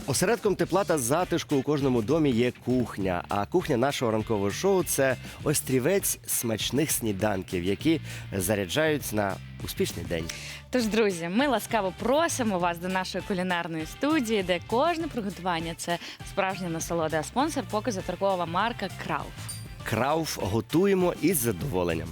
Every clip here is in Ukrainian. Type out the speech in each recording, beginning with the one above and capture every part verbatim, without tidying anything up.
Осередком тепла та затишку у кожному домі є кухня. А кухня нашого ранкового шоу – це острівець смачних сніданків, які заряджають на успішний день. Тож, друзі, ми ласкаво просимо вас до нашої кулінарної студії, де кожне приготування – це справжня насолода. А спонсор – показу торгова марка «Крауф». Крауф готуємо із задоволенням.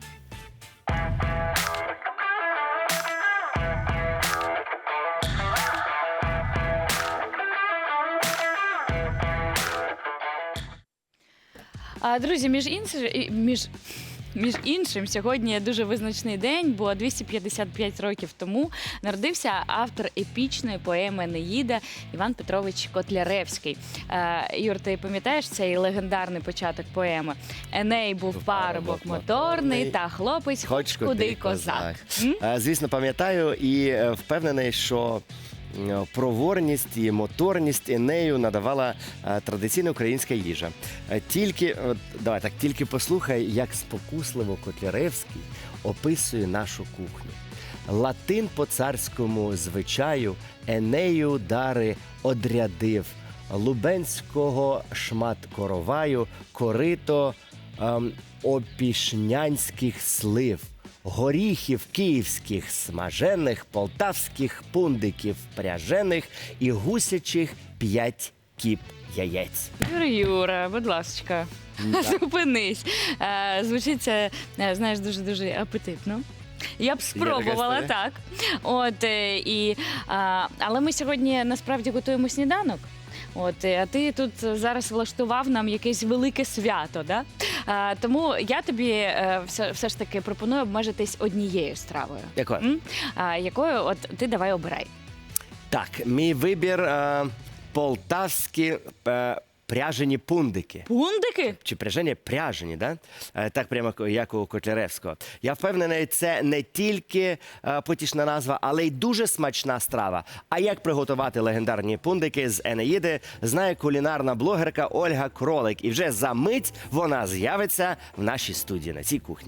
А, друзі, між іншим, між, між іншим, сьогодні дуже визначний день, бо двісті п'ятдесят п'ять років тому народився автор епічної поеми «Енеїда» Іван Петрович Котляревський. Е, Юр, ти пам'ятаєш цей легендарний початок поеми? Еней був парубок моторний, та хлопець хоч куди козак. Е, Звісно, пам'ятаю і е, впевнений, що е, проворність і моторність Енею надавала е, традиційна українська їжа. Е, Тільки, от, давай так, тільки послухай, як спокусливо Котляревський описує нашу кухню. Латин по царському звичаю Енею дари одрядив, лубенського шмат короваю, корито ем, опішнянських слив, горіхів київських смажених, полтавських пундиків пряжених і гусячих п'ять кіп яєць. Юра, Юра, будь ласочка, зупинись. Е, Звучить це, е, знаєш, дуже-дуже апетитно. Я б спробувала, така так. От, е, і, а, але ми сьогодні насправді готуємо сніданок. От, е, а ти тут зараз влаштував нам якесь велике свято, да? А, тому я тобі е, все, все ж таки пропоную обмежитись однією стравою. Якою? М? А, якою? От ти давай обирай. Так, мій вибір е, полтавські е, пряжені пундики. Пундики? Чи пряжені пряжені, да? Е, так прямо як у Котляревського. Я впевнений, це не тільки е, потішна назва, але й дуже смачна страва. А як приготувати легендарні пундики з Енеїди, знає кулінарна блогерка Ольга Кролик. І вже за мить вона з'явиться в нашій студії на цій кухні.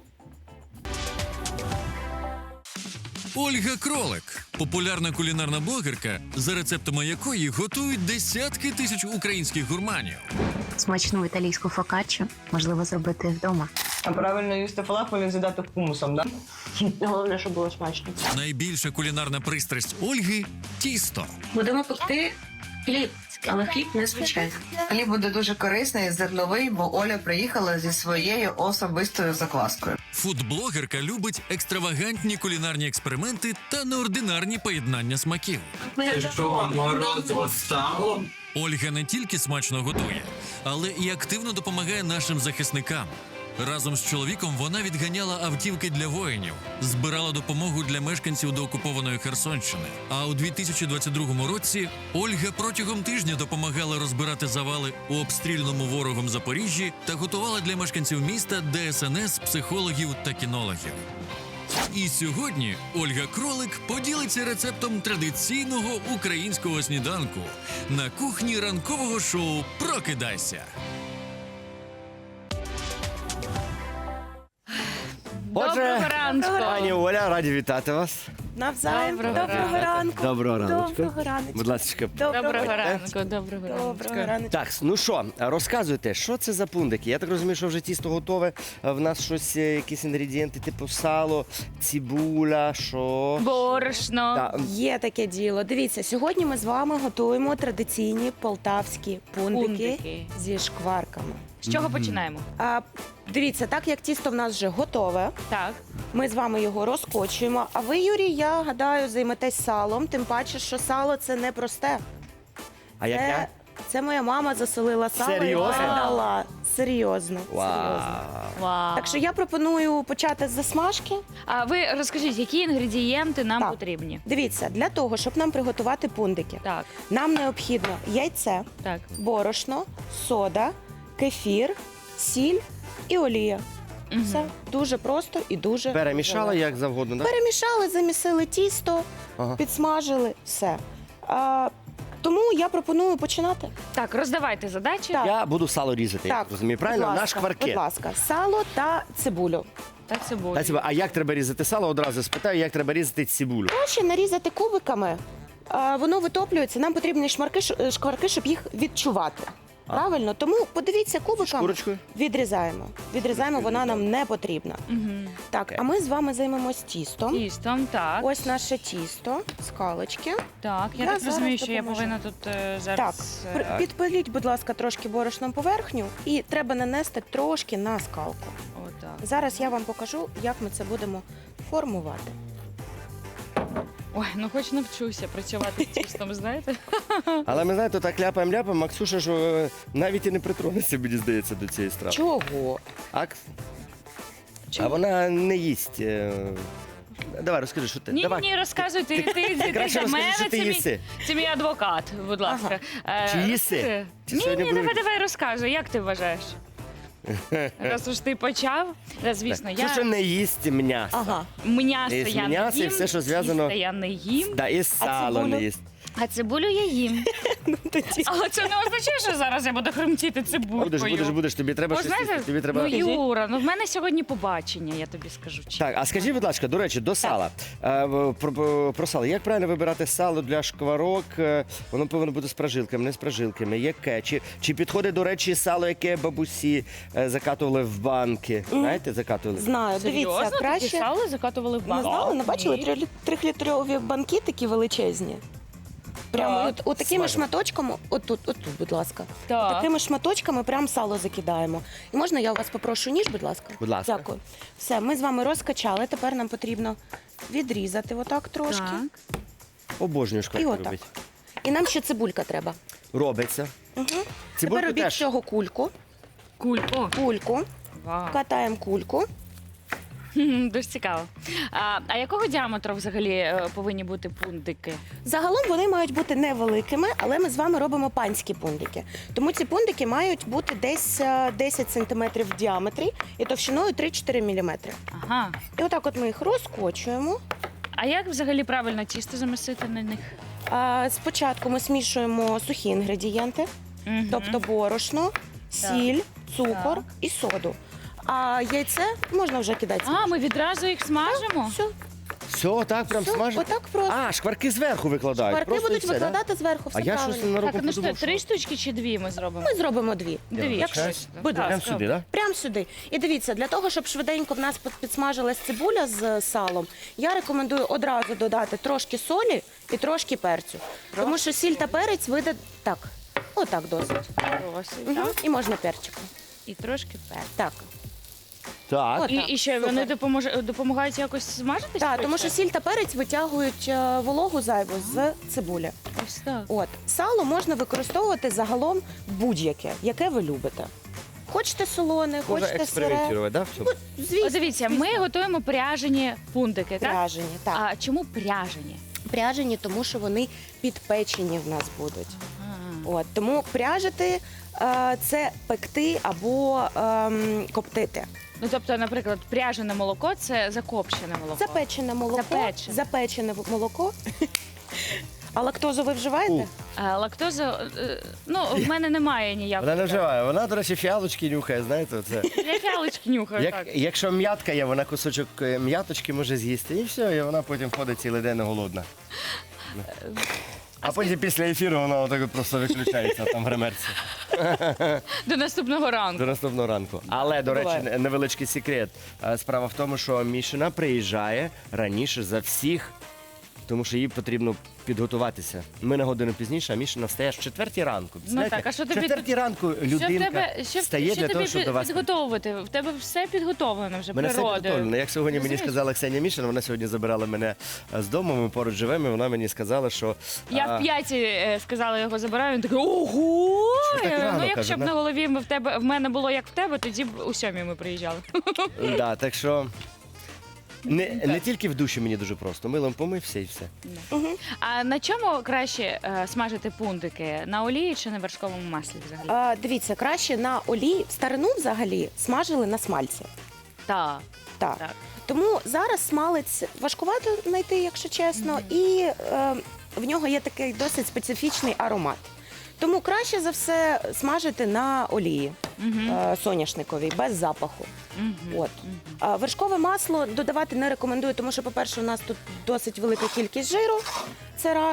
Ольга Кролик – популярна кулінарна блогерка, за рецептами якої готують десятки тисяч українських гурманів. Смачну італійську фокаччо можливо зробити вдома. А правильно їсти фалафель і з'їдати хумусом, так? Да? Головне, щоб було смачно. Найбільша кулінарна пристрасть Ольги – тісто. Будемо пекти хліб, але хліб не звичайний. Хліб буде дуже корисний, зерновий, бо Оля приїхала зі своєю особистою закваскою. Фудблогерка любить екстравагантні кулінарні експерименти та неординарні поєднання смаків. Ольга не тільки смачно готує, але і активно допомагає нашим захисникам. Разом з чоловіком вона відганяла автівки для воїнів, збирала допомогу для мешканців доокупованої Херсонщини. А у дві тисячі двадцять другому році Ольга протягом тижня допомагала розбирати завали у обстріляному ворогом Запоріжжі та готувала для мешканців міста Де Ес Ен Ес, психологів та кінологів. І сьогодні Ольга Кролик поділиться рецептом традиційного українського сніданку на кухні ранкового шоу «Прокидайся». Доброго ранку! Пані Оля, раді вітати вас. Навзаєм. Доброго Доброго, ранку. Доброго ранку. Доброго ранку. Будь ласка. Доброго Доброго ранку, доброго ранку. Доброго ранку. Так, ну що, розказуйте, що це за пундики? Я так розумію, що вже тісто готове. В нас щось, е, якісь інгредієнти, типу сало, цибуля, що? Борошно. Так, Є таке діло. Дивіться, сьогодні ми з вами готуємо традиційні полтавські пундики, Пундики. зі шкварками. З чого починаємо? А, дивіться, так як тісто в нас вже готове, Так. ми з вами його розкочуємо. А ви, Юрій, я гадаю, займетесь салом, тим паче, що сало це не просте. а як Це, я? це моя мама засолила сало Серйозно? і передала. Серйозно. Вау. Серйозно. Вау. Так що я пропоную почати з засмажки. А ви розкажіть, які інгредієнти нам Так. потрібні? Дивіться, для того, щоб нам приготувати пундики, Так, нам необхідно яйце, так. борошно, сода, кефір, сіль і олія. Мгм. Все дуже просто і дуже Перемішала легко. як завгодно, так? Перемішали, замісили тісто, Ага. підсмажили, все. А, тому я пропоную починати. Так, роздавайте задачі. Так. Я буду сало різати, я Так, розумію, правильно? будь На ласка, шкварки. Будь ласка, сало та цибулю. Так, цибулю. Та, цибу- А як треба різати сало? Одразу спитаю, як треба різати цибулю. Краще нарізати кубиками а, воно витоплюється. Нам потрібні шмарки, ш- шкварки, щоб їх відчувати. Правильно? Тому подивіться кубиком. Шкурочкою? Відрізаємо. Відрізаємо, вона нам не потрібна. Мгм. Так, а ми з вами займемось тістом. Тістом, так. Ось наше тісто, скалочки. Так, я, Я так зараз розумію, що я допоможу. повинна тут е, Так, зараз. е, при- підпиліть, будь ласка, трошки борошном поверхню і треба нанести трошки на скалку. Отак. Зараз я вам покажу, як ми це будемо формувати. Ой, ну хоч навчуся працювати з тістом, знаєте? Але ми знаєте, так ляпаємо-ляпаємо, Максуша ж е, навіть і не притронеться, мені здається, до цієї страви. Чого? А, а вона не їсть. е, Давай, розкажи, що ти. Ні, Давай. ні, ні, розказуй, ти, ти, ти, ти краще за розкажи, мене, що ти це, мій, їси. це мій адвокат, будь ласка. Е, Чи їси? розкажи. Чи Ні, сьогодні ні, будуть? давай, давай, розказуй, як ти вважаєш? Раз уж ти почав, да, звісно, Все, що я не їсть м'ясо. Ага. м'ясо Їсть я м'ясо не і їм, все, що зв'язано- тіста я не їм, Да, і сало цибулю? не їсть. а цибулю я їм. Ну, тоді. Але це не означає, що зараз я буду хромтіти цибулькою. Будеш, будеш, будеш, тобі треба Бо, щось знаєте, їсти. Тобі треба... ну, Юра, ну в мене сьогодні побачення, я тобі скажу. чесно. Так, а скажіть, будь ласка, до речі, до сала. Е, в- Про, про- про сало. Як правильно вибирати сало для шкварок? Е, Воно повинно бути з прожилками, не з прожилками. Яке? Чи, чи підходить, до речі, сало, яке бабусі е, закатували в банки? Знаєте, закатували? Знаю, Серйозно? дивіться, Таке краще. сало закатували в Не банк? знали, не бачили? Ні. Трилі- Трьохлітрові банки такі величезні. Прямо Так. от, от такими Смажемо. шматочками, отут, отут, будь ласка. Так. Такими шматочками прям сало закидаємо. І можна я у вас попрошу ніж, будь ласка? Будь ласка. Дякую. Все, ми з вами розкачали. Тепер нам потрібно відрізати отак трошки. Так. Обожнюю І шкварки отак. робити. І нам ще цибулька треба. Робиться. Угу. Цибульку Тепер робіть теж. з цього кульку. Кульку. Кульку. Вау. Катаємо кульку. Хм, Дуже цікаво. А, а якого діаметру взагалі е, повинні бути пундики? Загалом вони мають бути невеликими, але ми з вами робимо панські пундики. Тому ці пундики мають бути десь е, десять сантиметрів в діаметрі і товщиною три-чотири міліметри. Ага. І отак от ми їх розкочуємо. А як взагалі правильно тісто замісити на них? А, спочатку ми смішуємо сухі інгредієнти, Мгм. тобто борошно, сіль, цукор Так. і соду. А яйце можна вже кидати. А, ми відразу їх смажимо? Все, Все, так прям все, смажить? отак просто. А, шкварки зверху викладають. Шкварки Просто і будуть все, да? викладати зверху, все А я щось правильно. ненароком Так, ну що, подумав, три штучки чи дві ми зробимо? Ми зробимо дві. Дві. Якщо- Точно. Будь Так, Прям стоп. сюди, так? Прямо сюди. І дивіться, для того, щоб швиденько в нас під- підсмажилась цибуля з салом, я рекомендую одразу додати трошки солі і трошки перцю. Тому що сіль та перець вийде так. Отак досить. Досить, Угу. так? І можна перчиком. І трошки перцю. Так. Так. От. І, Так, і ще супер. вони допоможе, допомагають якось смажитись? Так, тому що сіль та перець витягують е, вологу зайву з цибулі. Ось так. От сало можна використовувати загалом будь-яке, яке ви любите. Хочете солоне, Можна хочете сире. експериментувати, да? в цьому? Звісно, О, дивіться, ми готуємо пряжені пундики, так? пряжені. Так. А чому пряжені? Пряжені, тому що вони підпечені в нас будуть. А. От тому пряжити е, це пекти або ем, коптити. Ну, тобто, наприклад, пряжене молоко це закопчене молоко. Запечене молоко, Запечене. запечене молоко. А лактозу ви вживаєте? А, лактоза, е, ну, в мене немає ніякої. Вона не вживає. Вона, до речі, фіалочки нюхає, знаєте, оце. Я фіалочки нюхаю, Як, так. якщо м'ятка є, вона кусочок е, м'яточки може з'їсти, і все, і вона потім ходить цілий день голодна. А потім після ефіру вона отак от просто виключається там в гримерці До наступного ранку. до наступного ранку. Але, до речі, Буває. невеличкий секрет. Е, Справа в тому, що Мішина приїжджає раніше за всіх, тому що їй потрібно підготуватися. Ми на годину пізніше, а Мішина встає в четвертій ранку. Знаєте, так, а що в тобі четвертій ранку Що в людинка тебе, що, встає що для того, тобі щоб під- до вас підготовувати? В тебе все підготовлено вже Мене все природою. підготовлено. Як сьогодні мені Розумієш? сказала Ксенія Мішина, вона сьогодні забирала мене е, з дому, ми поруч живемо, і вона мені сказала, що Я а, в п'яті е, сказала, його забираю, він такий, ого! Що так Я говорю, рано, ну, якщо каже, б да? на голові ми в тебе в мене було як в тебе, тоді б у сьомій ми приїжджали. да, так що не, не тільки в душі мені дуже просто. Милом помився і все. А на чому краще е, смажити пундики? На олії чи на вершковому маслі взагалі? А, дивіться, краще на олії. В старину взагалі смажили на смальці. Так. Так. Так. Тому зараз смалець важкувато знайти, якщо чесно, і е, в нього є такий досить специфічний аромат. Тому краще за все смажити на олії е, соняшниковій, без запаху. От. А вершкове масло додавати не рекомендую, тому що, по-перше, у нас тут досить велика кількість жиру, це раз.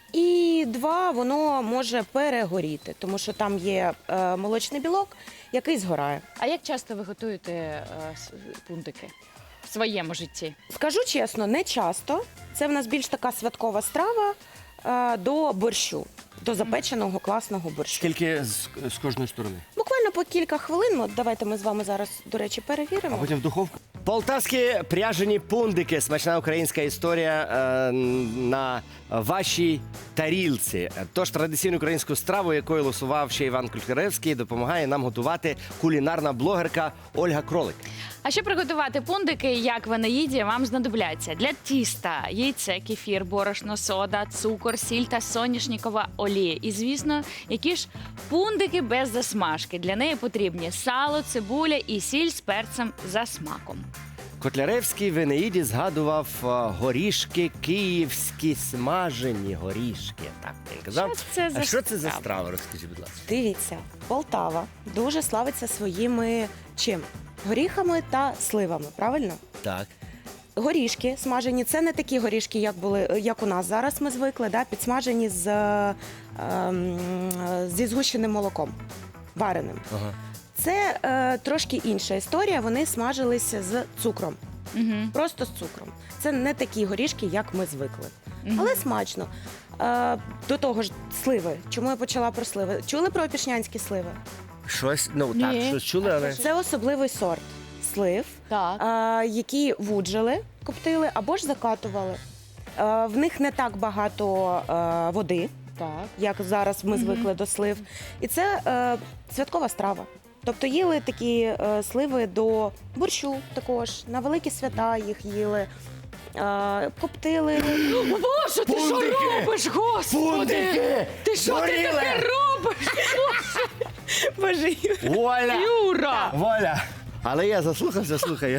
І два, воно може перегоріти, тому що там є е, молочний білок, який згорає. А як часто ви готуєте е, с- пундики в своєму житті? Скажу чесно, не часто. Це в нас більш така святкова страва е, до борщу, до запеченого класного борщу. Скільки з, з кожної сторони? Буквально по кілька хвилин. От давайте ми з вами зараз, до речі, А перевіримо. потім в духовку. Полтавські пряжені пундики. Смачна українська історія е, на вашій тарілці. Тож традиційну українську страву, якою лосував ще Іван Котляревський, допомагає нам готувати кулінарна блогерка Ольга Кролик. А щоб приготувати пундики, як в Енеїді, вам знадобляться для тіста яйце, кефір, борошно, сода, цукор, сіль та соняшникова олія. І, звісно, які ж пундики без засмажки. Для неї потрібні сало, цибуля і сіль з перцем за смаком. Котляревський в Енеїді згадував е, горішки київські смажені горішки. Так він казав. Що це за а що це за страва? страва? Розкажіть, будь ласка. Дивіться, Полтава дуже славиться своїми чим? Горіхами та сливами, правильно? Так. Горішки смажені, це не такі горішки, як були, як у нас зараз ми звикли, да, підсмажені з, е, ем, зі згущеним молоком, вареним. Ага. Це е, трошки інша історія, вони смажилися з цукром, Угу. просто з цукром. Це не такі горішки, як ми звикли. Мгм. Але смачно. Е, до того ж, сливи. Чому я почала про сливи? Чули про опішнянські сливи? Щось, ну Ні. так, щось чули, але. Це особливий сорт слив, Так. е, які вуджили, коптили або ж закатували. Е, в них не так багато е, води, Так. як зараз ми Мгм. звикли до слив. І це е, святкова страва. Тобто їли такі е, сливи до борщу також, на великі свята їх їли, е, коптили. Боже, ти що Пундики! робиш, господи? Пундики! Ти що ти Згоріли! таке робиш? Боже, Воля! Юра! Воля! Але я заслухався, слухаю.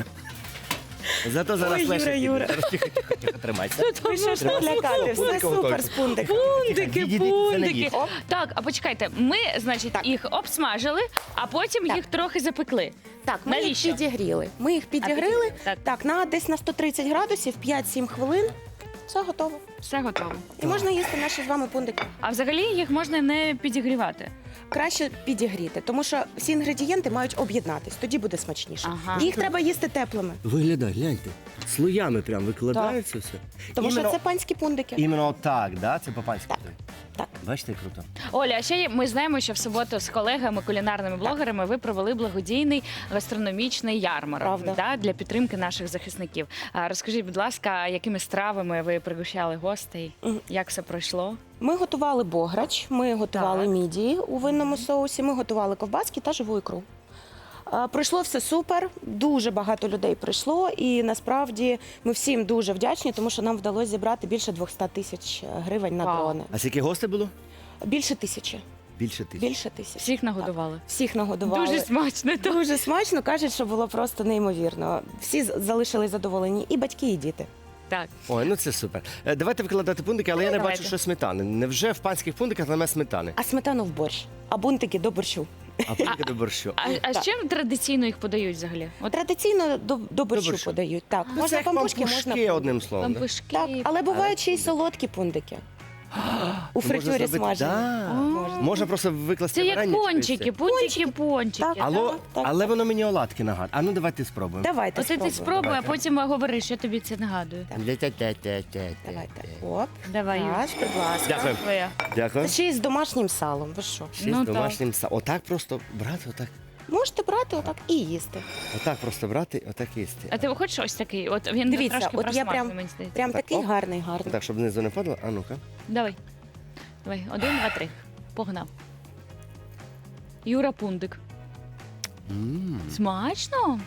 Зато зараз Ой, Юра, легше. Юра. Зараз тихо, тихо, тихо, тримайся. ви що ж так лякати? Все Пундики супер готові. з пундиком. Пундики, Відійдіть, це не пундики. їсть. Оп. Так, а почекайте, ми, значить, Так. їх обсмажили, а потім Так. їх трохи запекли. Так, ми Навіщо? їх підігріли. Ми їх підігріли. підігріли, так. Так, на десь на сто тридцять градусів, п'ять-сім хвилин. Все готово. Все готово. І можна їсти наші з вами пундики. А взагалі їх можна не підігрівати. Краще підігріти, тому що всі інгредієнти мають об'єднатись, тоді буде смачніше. Ага. Їх треба їсти теплими, Виглядай, гляньте. Слоями прям викладаються все. тому Іменно- що це панські пундики. Іменно так, да? Це по-панськи. Так. Так. Бачите, круто. Оля, а ще є- ми знаємо, що в суботу з колегами, кулінарними блогерами, ви провели благодійний гастрономічний ярмарок, Правда. да, для підтримки наших захисників. А розкажіть, будь ласка, якими стравами ви пригощали гостей? Мгм. Як все пройшло? Ми готували бограч, ми готували Так. мідії у винному соусі, ми готували ковбаски та живу ікру. А, Пройшло все супер, дуже багато людей прийшло, і насправді ми всім дуже вдячні, тому що нам вдалося зібрати більше двісті тисяч гривень на Вау. дрони. А скільки гостей було? Більше тисячі. Більше тисяч. Більше тисяч. Всіх нагодували. Всіх нагодували. Дуже смачно. так. Дуже смачно, кажуть, що було просто неймовірно. Всі з- залишились задоволені, і батьки, і діти. Так. Ой, ну це супер. Е, Давайте викладати пундики, але я не Давайте. бачу, що сметани. Невже в панських пундиках немає сметани? А сметану в борщ, а бунтики до борщу. А пундики до борщу. А, а з Так. чим традиційно їх подають взагалі? От Традиційно до, до борщу борщу. подають. Так, Ну, можна це як пампушки, пампушки, можна одним словом. да? пампушки. так, але бувають ще й солодкі пундики. У Можна фритюрі зробити- смажені. Да. Можна. Можна просто викласти Це як варення, пончики, чи пончики, пончики. Так. Алло, Так, так, але так. воно мені оладки нагадує. А ну давайте спробуємо. Давайте Оце ти спробуємо. спробуй, а Давайте. потім говориш, що тобі це нагадує. Тя-тя-тя-тя-тя. Давайте. Оп. Давай, Юр. Так, будь ласка. Дякую. Твоя. Дякую. Це ще й з домашнім салом. Ви що? Ще Ну, з так. домашнім са. Отак просто брати, отак. Можете брати отак і їсти. Отак просто брати, отак їсти. А ти хочеш ось такий? От він Дивіться, трошки от я просмажений, прям- мені здається. Прям Так, такий оп. гарний, гарний. Так, щоб знизу не падало. А ну-ка. Давай. Давай, один, два, три. Погнав. Юра Пундик. М. Смачно?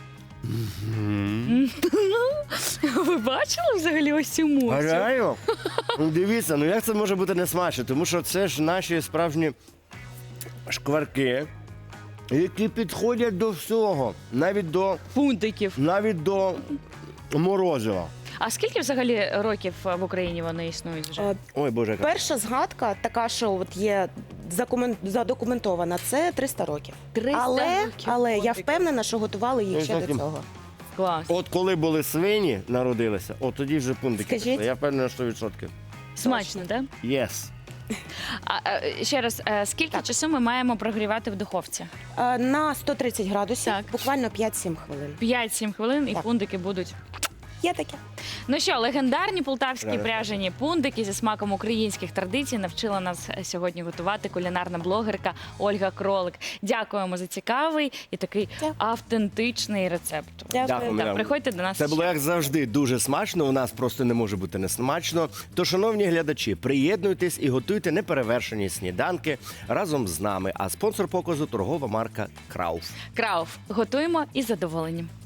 М. Ви бачили взагалі ось цю емоцію? Гараю? Ну, дивіться, ну як це може бути не смачно? Тому що це ж наші справжні шкварки, які підходять до всього, навіть до, Пундиків. навіть до морозива. А скільки взагалі років в Україні вони існують вже? Е, Ой, Боже, яка. Перша згадка, така, що от є закумен- задокументована, це триста років. триста Але, років але я пундиків. впевнена, що готували їх Ну, ще до зовсім. цього. Клас. От коли були свині, народилися, от тоді вже пундики. Скажіть. пішли. Я впевнений, що відсотки. Смачно, так? Yes. А, е, ще раз, е, скільки Так. часу ми маємо прогрівати в духовці? Е, На сто тридцять градусів, Так. буквально п'ять-сім хвилин. п'ять-сім хвилин і Так. пундики будуть. Є таке. Ну що, легендарні полтавські Правильно. пряжені пундики зі смаком українських традицій навчила нас сьогодні готувати кулінарна блогерка Ольга Кролик. Дякуємо за цікавий і такий Дякую. автентичний рецепт. Дякую. Дякую, Так, Мірям. приходьте до нас. Це ще. було як завжди дуже смачно. У нас просто не може бути не смачно. То, шановні глядачі, приєднуйтесь і готуйте неперевершені сніданки разом з нами. А спонсор показу торгова марка Крауф. Крауф. Готуємо із задоволенням.